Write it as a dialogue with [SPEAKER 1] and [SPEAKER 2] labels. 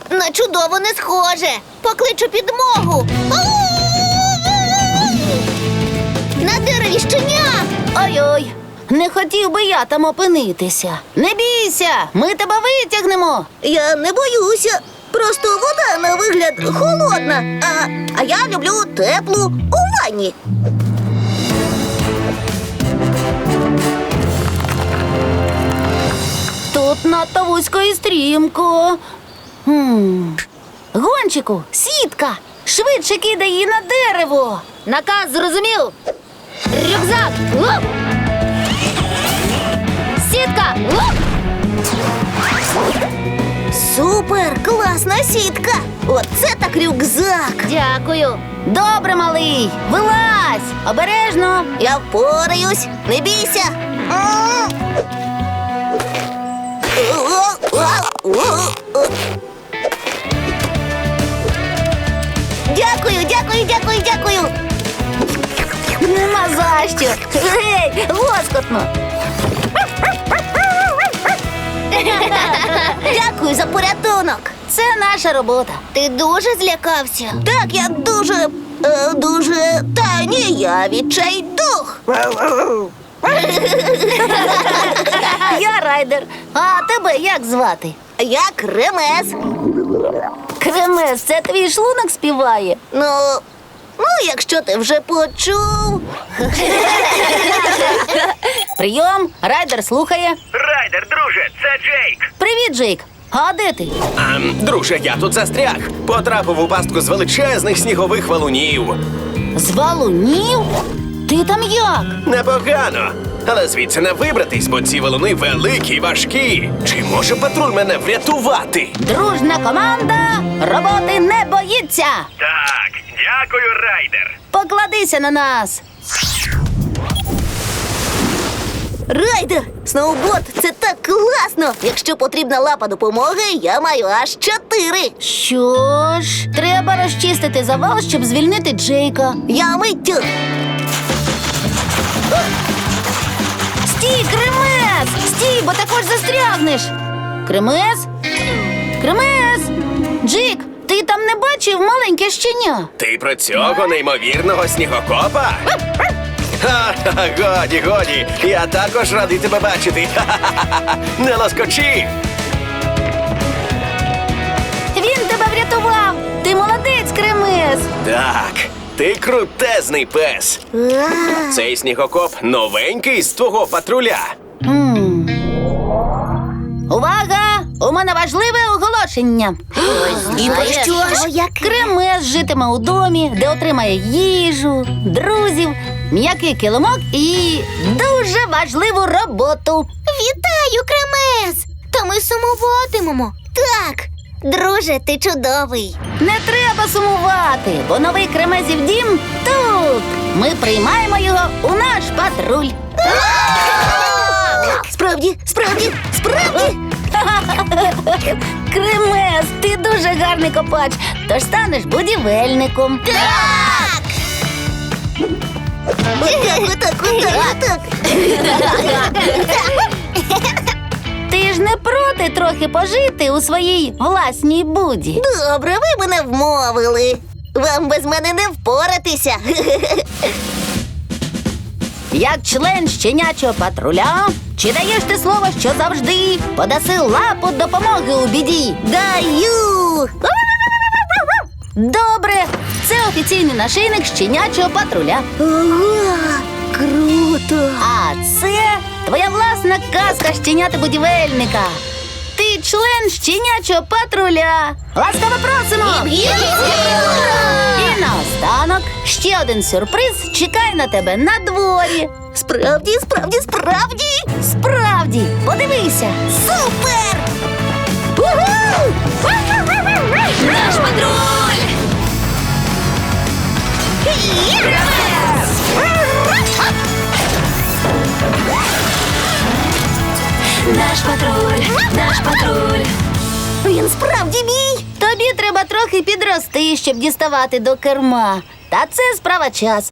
[SPEAKER 1] На чудово не схоже. Покличу підмогу. На дереві щеня.
[SPEAKER 2] Ой-ой, не хотів би я там опинитися. Не бійся, ми тебе витягнемо.
[SPEAKER 1] Я не боюся. Просто вода на вигляд холодна. А я люблю теплу у ванні.
[SPEAKER 2] Тут надто вузько і стрімко. Гончику, сітка! Швидше кидай її на дерево. Наказ зрозумів. Рюкзак. Лоп! Сітка. Лоп!
[SPEAKER 1] Супер! Класна сітка! Оце так рюкзак!
[SPEAKER 2] Дякую. Добре, малий. Вилазь. Обережно.
[SPEAKER 1] Я впораюсь, не бійся! Дякую!
[SPEAKER 2] Нема за що. Гей, лоскотно.
[SPEAKER 1] Дякую за порятунок!
[SPEAKER 2] Це наша робота.
[SPEAKER 1] Ти дуже злякався? Так, я дуже... Та ні, я відчайдух!
[SPEAKER 2] Я Райдер. А тебе як звати?
[SPEAKER 1] Я Кремез.
[SPEAKER 2] Кремес, це твій шлунок співає.
[SPEAKER 1] Ну, якщо ти вже почув.
[SPEAKER 2] Прийом, Райдер слухає.
[SPEAKER 3] Райдер, друже, це Джейк.
[SPEAKER 2] Привіт, Джейк. А де ти?
[SPEAKER 3] Друже, я тут застряг. Потрапив у пастку з величезних снігових валунів.
[SPEAKER 2] З валунів? Ти там як?
[SPEAKER 3] Непогано. Але звідси не вибратись, бо ці валуни великі й важкі. Чи може патруль мене врятувати?
[SPEAKER 2] Дружна команда роботи не боїться.
[SPEAKER 3] Так, дякую, Райдер.
[SPEAKER 2] Покладися на нас.
[SPEAKER 1] Райдер, сноуборд – це так класно! Якщо потрібна лапа допомоги, я маю аж 4.
[SPEAKER 2] Що ж, треба розчистити завал, щоб звільнити Джейка.
[SPEAKER 1] Я миттю.
[SPEAKER 2] Стій, Кремес! Стій, бо також застрягнеш. Кремес? Кремес! Джейк, ти там не бачив маленьке щеня?
[SPEAKER 3] Ти про цього неймовірного снігокопа? Ха-ха, годі. Я також радий тебе бачити. Ха-ха-ха. Не лоскочи.
[SPEAKER 2] Він тебе врятував! Ти молодець, Кремес!
[SPEAKER 3] Так, ти крутезний пес. Цей снігокоп новенький з твого патруля.
[SPEAKER 2] Увага! У мене важливе оголошення.
[SPEAKER 1] І про що ж?
[SPEAKER 2] Кремес житиме у домі, де отримає їжу, друзів, м'який килимок і дуже важливу роботу.
[SPEAKER 1] Вітаю, Кремез! Та ми сумуватимемо. Так, друже, ти чудовий.
[SPEAKER 2] Не треба сумувати, бо новий Кремезів дім тут. Ми приймаємо його у наш патруль.
[SPEAKER 1] Справді!
[SPEAKER 2] Кремез, ти дуже гарний копач, тож станеш будівельником.
[SPEAKER 1] Так! Отак.
[SPEAKER 2] Ти ж не проти трохи пожити у своїй власній буді?
[SPEAKER 1] Добре, ви мене вмовили. Вам без мене не впоратися.
[SPEAKER 2] Як член щенячого патруля, чи даєш ти слово, що завжди подаси лапу допомоги у біді?
[SPEAKER 1] Даю!
[SPEAKER 2] Добре, це офіційний нашийник щенячого патруля.
[SPEAKER 1] Ого, круто!
[SPEAKER 2] А це твоя власна казка щеняти-будівельника. Ти член щенячого патруля. Ласкаво просимо! І наостанок ще один сюрприз чекає на тебе на дворі.
[SPEAKER 1] Справді?
[SPEAKER 2] Справді, подивися.
[SPEAKER 1] Супер!
[SPEAKER 2] Наш патруль! Наш патруль.
[SPEAKER 1] Він справді мій!
[SPEAKER 2] Тобі треба трохи підрости, щоб діставати до керма. Та це справа часу.